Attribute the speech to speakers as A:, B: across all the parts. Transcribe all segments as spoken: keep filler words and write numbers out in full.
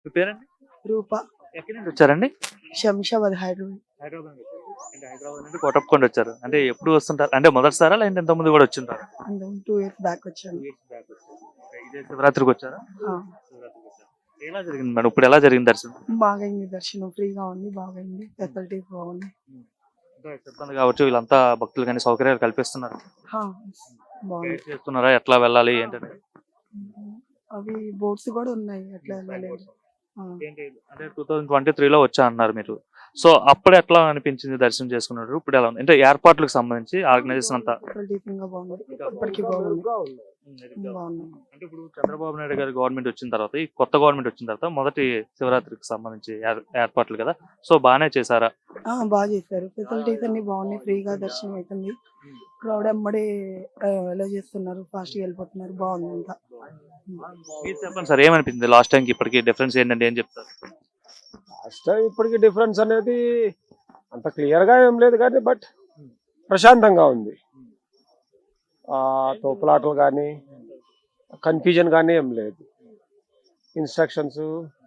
A: మీ పేరండి?
B: రూప.
A: ఎక్కడి నుండి వచ్చారండి?
B: శంషాబాద్ హైదరాబాద్.
A: హైదరాబాద్ నుండి వచ్చారు. అంటే హైదరాబాద్ నుండి కోటప్పకొండ వచ్చారు. అంటే ఎప్పుడు వస్తుంటారు? అంటే మొదటిసారా లేదంటే ఇంతకు ముందు కూడా వచ్చింటారా?
B: అంతకు టూ ఇయర్స్ బ్యాక్ వచ్చాను.
A: ఇదే శివరాత్రికి వచ్చారా?
B: ఆ,
A: శివరాత్రికి వచ్చారు. ఎలా జరిగింది మేడం? ఇప్పుడు ఎలా జరిగింది దర్శనం?
B: బాగైంది దర్శనం, ఫ్రీగా ఉంది, బాగైంది, ఫెసిలిటీస్ బాగుంది.
A: అంటే సిబ్బంది కావచ్చు వీళ్ళంతా భక్తులు కానీ సౌకర్యాలు కల్పిస్తున్నారు.
B: హా, బాగుంది.
A: గైడ్ చేస్తున్నారా ఎట్లా వెళ్ళాలి ఏంటంటే?
B: అవి బోట్స్ కూడా ఉన్నాయి, అట్లా వెళ్ళలేదు. ఆ,
A: ఏంటి అంటే టూ థౌసండ్ ట్వంటీ త్రీలో వచ్చా అన్నారు మీరు. సో అప్పుడు ఎట్లా అనిపించింది దర్శనం చేసుకున్నారు? ఇప్పుడు ఎలా ఉంది? అంటే ఏర్పాట్లకు సంబంధించి ఆర్గనైజేషన్ అంతా
B: ఫెసిలిటీస్ ఇంకా బాగుంది, ఇప్పటికీ బాగుంది, బాగుంది.
A: అంటే ఇప్పుడు చంద్రబాబు నాయుడు గారి గవర్నమెంట్ వచ్చిన తర్వాత ఈ కొత్త గవర్నమెంట్ వచ్చిన తర్వాత మొదటి శివరాత్రికి సంబంధించి ఏర్- ఏర్పాట్లు కదా, సో బాగానే చేశారా?
B: ఆ, బాగా చేశారు, ఫెసిలిటీస్ అన్ని బాగున్నాయి, ఫ్రీగా దర్శనం అవుతుంది. క్రౌడ్ ఎమ్మడే ఎలా చేస్తున్నారు, ఫాస్ట్ గా వెళ్ళిపోతున్నారు, బాగుంది అంతా.
A: మీరు చెప్పండి సార్, ఏమనిపించింది లాస్ట్ టైంకి ఇప్పటికి డిఫరెన్స్ ఏంటంటే ఏం చెప్తారు?
C: లాస్ట్ టైం ఇప్పటికి డిఫరెన్స్ అనేది అంత క్లియర్ గా ఏం లేదు కానీ బట్ ప్రశాంతంగా ఉంది. ఆ తోపులాటలు కానీ కన్ఫ్యూజన్ కానీ ఏం లేదు. ఇన్స్ట్రక్షన్స్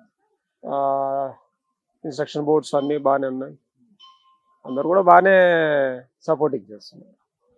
C: ఇన్స్ట్రక్షన్ బోర్డ్స్ అన్ని బాగానే ఉన్నాయి, అందరు కూడా బాగానే సపోర్టింగ్ చేస్తున్నారు.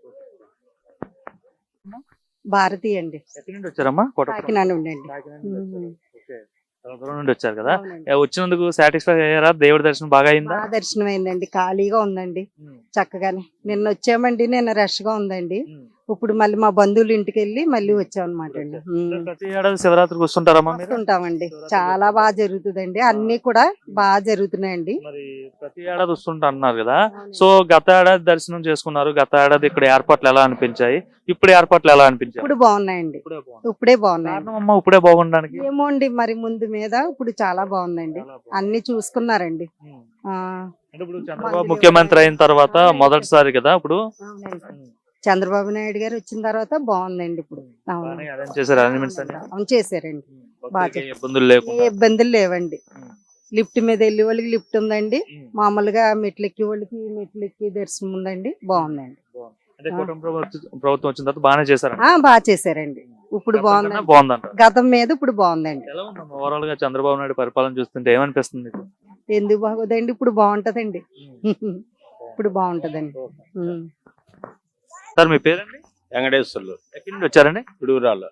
D: భారతి అండి,
A: ఎక్కడి నుండి వచ్చారమ్మా? కోటప్పకొండ.
D: కాకినాడ ఉండండి.
A: కాకినాడ నుండి వచ్చారు.
D: ఉమ్.
A: ఓకే. చాలా దూరం నుండి వచ్చారు కదా.
D: అవునండి.
A: ఏ, వచ్చినందుకు సాటిస్ఫై అయ్యారా? దేవుడి దర్శనం బాగా అయిందా?
D: బాగా దర్శనం అయిందండి, ఖాళీగా ఉందండి, చక్కగానే. నిన్న వచ్చామండి, నిన్న రష్ గా ఉందండి. ఇప్పుడు మళ్ళీ మా బంధువుల ఇంటికి వెళ్ళి మళ్ళీ వచ్చాం అనమాట అండి.
A: అంటే ప్రతి ఏడాది శివరాత్రికి వస్తుంటారమ్మా మీరు?
D: ఉంటామండి, చాలా బాగా జరుగుతుందండి, అన్ని కూడా బాగా జరుగుతున్నాయండి.
A: మరి ప్రతి ఏడాది వస్తుంటా అన్నారు కదా. సో గత ఏడాది దర్శనం చేసుకున్నారు, గత ఏడాది ఇక్కడ ఏర్పాట్లు ఎలా అనిపించాయి, ఇప్పుడు ఏర్పాట్లు ఎలా అనిపించాయి?
D: ఇప్పుడు బాగున్నాయండి,
A: ఇప్పుడే బాగుంది.
D: ఇప్పుడే బాగున్నాయండి.
A: కారణం అమ్మా ఇప్పుడే బాగుండడానికి?
D: ఏమో అండి, మరి ముందు మీద ఇప్పుడు చాలా బాగుందండి,
A: చాలా బాగుంది.
D: అన్ని చూసుకున్నారండి.
A: ఉమ్.
D: ఆ,
A: అంటే ఇప్పుడు చంద్రబాబు ముఖ్యమంత్రి అయిన తర్వాత మొదటిసారి కదా ఇప్పుడు
D: అవునండి. చంద్రబాబు నాయుడు గారు వచ్చిన తర్వాత బాగుందండి ఇప్పుడు. అవును.
A: బాగానే అరేంజ్ చేశారు అరేంజ్మెంట్స్ అన్ని.
D: అవును, చేశారండి.
A: భక్తులకి
D: బాగా.
A: ఇబ్బందులు
D: ఏ
A: లేకుండా.
D: ఇబ్బందులు లేవండి.
A: ఉమ్.
D: లిఫ్ట్ మీద వెళ్ళే వాళ్ళకి లిఫ్ట్ ఉందండి,
A: ఉమ్.
D: మామూలుగా మెట్లు ఎక్కే వాళ్ళకి మెట్లు ఎక్కి దర్శనం ఉందండి, బాగుందండి.
A: బాగుంది. అంటే కుటుంబ ప్రభుత్వం ప్రభుత్వం వచ్చిన తర్వాత బాగానే చేశారు.
D: ఆ, బాగా చేశారండి, ఇప్పుడు బాగుందండి,
A: బాగుందంట.
D: గతం మీద ఇప్పుడు బాగుందండి.
A: ఎలా ఉందమ్మా ఓవరాల్ గా చంద్రబాబు నాయుడు పరిపాలన చూస్తుంటే ఏమనిపిస్తుంది మీకు?
D: ఎందుకు బాగోదండి, ఇప్పుడు బాగుంటదండి. ఇప్పుడు బాగుంటదండి. ఉమ్.
A: సార్ మీ పేరండి?
E: వెంకటేశ్వర్లు
A: ఎక్కడి నుండి వచ్చారండి?
E: పిడుగురాళ్ళు.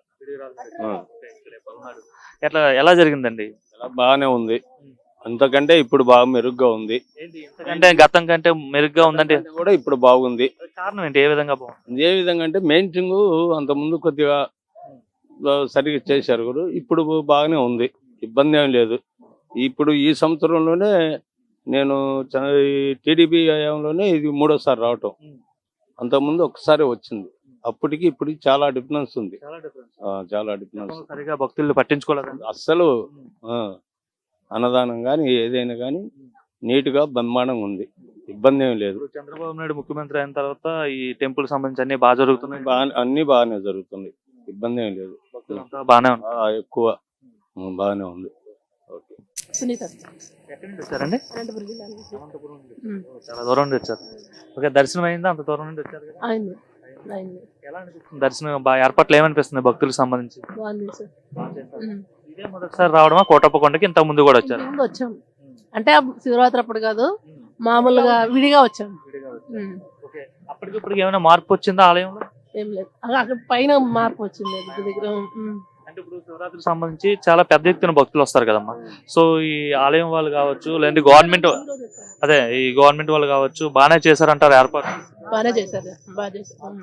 A: ఎట్లా ఎలా జరిగిందండి?
E: చాలా బాగానే ఉంది, అంతకంటే ఇప్పుడు బాగా మెరుగ్గా ఉంది.
A: అంటే గతం కంటే మెరుగ్గా ఉందంటే
E: అంతకంటే కూడా ఇప్పుడు బాగుంది.
A: కారణం ఏంటి? ఏ విధంగా బాగుంది?
E: ఏ విధంగా అంటే మెయింటైన్ అంత ముందు కొద్దిగా సరిగ్గా చేశారు కూడా, ఇప్పుడు బాగానే ఉంది, ఇబ్బంది ఏం లేదు. ఇప్పుడు ఈ సంవత్సరంలోనే నేను టీడీపీ హయాంలోనే ఇది మూడోసారి రావటం, అంతకుముందు ఒకసారి వచ్చింది, అప్పటికి ఇప్పటికి చాలా డిఫరెన్స్ ఉంది. ఆ, చాలా డిఫరెన్స్.
A: సరిగా భక్తులు పట్టించుకోలేదండి
E: అస్సలు ఆ, అన్నదానం కానీ ఏదైనా కానీ నీట్ గా బ్రహ్మాండంగా ఉంది, ఇబ్బంది ఏం లేదు.
A: ఇప్పుడు చంద్రబాబు నాయుడు ముఖ్యమంత్రి అయిన తర్వాత ఈ టెంపుల్ సంబంధించి అన్ని బాగా జరుగుతున్నాయి.
E: బాగా అన్ని బాగానే జరుగుతుంది, ఇబ్బంది ఏం లేదు.
A: భక్తులంతా బాగానే ఉంది.
E: ఆ, ఎక్కువ ఉం, బాగానే ఉంది. ఓకే.
B: సునీత.
A: ఎక్కడి నుండి వచ్చారండి?
B: అనంతపురం జిల్లా నుంచి.
A: అనంతపురం నుండి.
B: ఉమ్.
A: ఓ, చాలా దూరం నుండి వచ్చారు. ఓకే, దర్శనం అయిందా? అంత దూరం నుండి వచ్చారు కదా.
B: అయింది, అయింది,
A: ఎలా అనిపిస్తుంది దర్శనం? బాగా ఏర్పాట్లు ఏమనిపిస్తుంది భక్తులకు సంబంధించి?
B: బాగుంది సార్.
A: బాగా చేశారు.
B: ఉమ్.
A: ఇదే మొదటిసారి రావడమా కోటప్పకొండకి? ఇంత ముందు కూడా వచ్చారు?
B: ముందు వచ్చాం, అంటే ఆ శివరాత్రి అప్పుడు కాదు, మామూలుగా విడిగా వచ్చాం. ఉమ్.
A: ఓకే. అప్పటికి ఇప్పటికి ఏమైనా మార్పు వచ్చిందా ఆలయంలో?
B: ఏం లేదు, అక్కడ అక్కడ పైన మార్పు వచ్చింది దగ్గర దగ్గర. ఉమ్.
A: అంటే ఇప్పుడు శివరాత్రికి సంబంధించి చాలా పెద్ద ఎత్తున భక్తులు వస్తారు కదమ్మా. సో ఈ ఆలయం వాళ్ళు కావచ్చు లేదంటే గవర్నమెంట్ అదే ఈ గవర్నమెంట్ వాళ్ళు కావచ్చు బాగానే చేశారంటారు ఏర్పాటు?
B: బాగానే చేశారు, బాగా చేశారు. ఉమ్.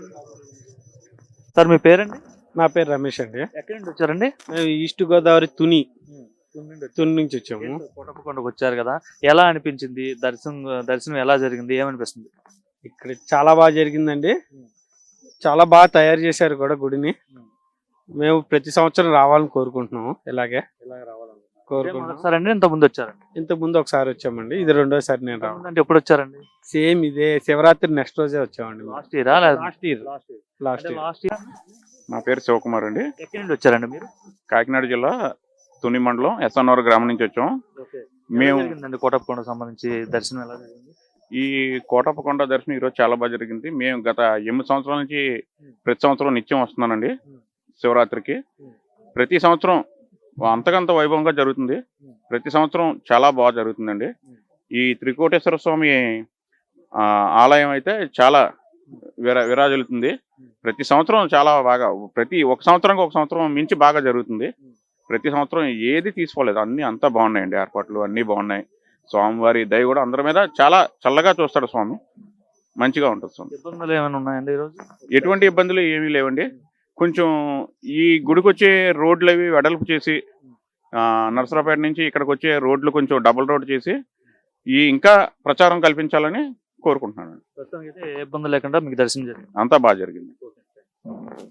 A: సార్ మీ పేరండి?
C: నా పేరు రమేష్ అండి,
A: ఎక్కడి నుండి వచ్చారండి?
C: మేము ఈస్ట్ గోదావరి తుని తుని నుంచి వచ్చాము.
A: కోటప్పకొండకు వచ్చారు కదా, ఎలా అనిపించింది దర్శనం? దర్శనం ఎలా జరిగింది? ఏమనిపిస్తుంది?
C: ఇక్కడ చాలా బాగా జరిగిందండి, చాలా బాగా తయారు చేశారు కూడా గుడిని. మేము ప్రతి సంవత్సరం రావాలని కోరుకుంటున్నాము, ఇలాగే కోరుకుంటున్నాం.
A: ఒకసారి అండి ఇంత ముందు వచ్చారండి?
C: ఇంత ముందు ఒకసారి వచ్చామండి, ఇది రెండోసారి నేను రావడం.
A: అంటే ఎప్పుడు వచ్చారండి?
C: సేమ్ ఇదే శివరాత్రి నెక్స్ట్ రోజే వచ్చామండి.
A: లాస్ట్ ఇయరా?
C: Last year last year
A: last year.
F: నా పేరు శివకుమార్ అండి,
A: ఎక్కడి నుండి వచ్చారండి మీరు?
F: కాకినాడ జిల్లా తుని మండలం ఎస్ఎన్ఆర్ గ్రామం నుంచి వచ్చాం. మేము
A: మేము కోటప్పకొండ సంబంధించి దర్శనం ఎలా జరిగింది?
F: ఈ కోటప్పకొండ దర్శనం ఈరోజు చాలా బాగా జరిగింది. మేము గత ఎనిమిది సంవత్సరాల నుంచి ప్రతి సంవత్సరం నిత్యం వస్తున్నానండి శివరాత్రికి. ప్రతి సంవత్సరం అంతకంత వైభవంగా జరుగుతుంది. ప్రతి సంవత్సరం చాలా బాగా జరుగుతుందండి. ఈ త్రికోటేశ్వర స్వామి ఆ, ఆలయం అయితే చాలా విరా విరాజిల్లుతుంది. ప్రతి సంవత్సరం చాలా బాగా, ప్రతి ఒక సంవత్సరానికి ఒక సంవత్సరం మించి బాగా జరుగుతుంది. ప్రతి సంవత్సరం ఏది తీసుకోలేదు, అన్ని అంతా బాగున్నాయండి, ఏర్పాట్లు అన్నీ బాగున్నాయి. స్వామివారి దయ కూడా అందరి మీద చాలా చల్లగా చూస్తాడు స్వామి, మంచిగా ఉంటుంది స్వామి.
A: ఇబ్బందులు ఏమైనా ఉన్నాయండి ఈరోజు?
F: ఎటువంటి ఇబ్బందులు ఏమీ లేవండి. కొంచెం ఈ గుడికి వచ్చే రోడ్లు అవి వెడల్పు చేసి, ఆ, నరసరావుపేట నుంచి ఇక్కడికి వచ్చే రోడ్లు కొంచెం డబుల్ రోడ్ చేసి ఈ ఇంకా ప్రచారం కల్పించాలని కోరుకుంటున్నాను.
A: ప్రస్తుతానికి అయితే ఏ ఇబ్బంది లేకుండా మీకు దర్శనం జరిగింది.
F: అంతా బాగా జరిగింది.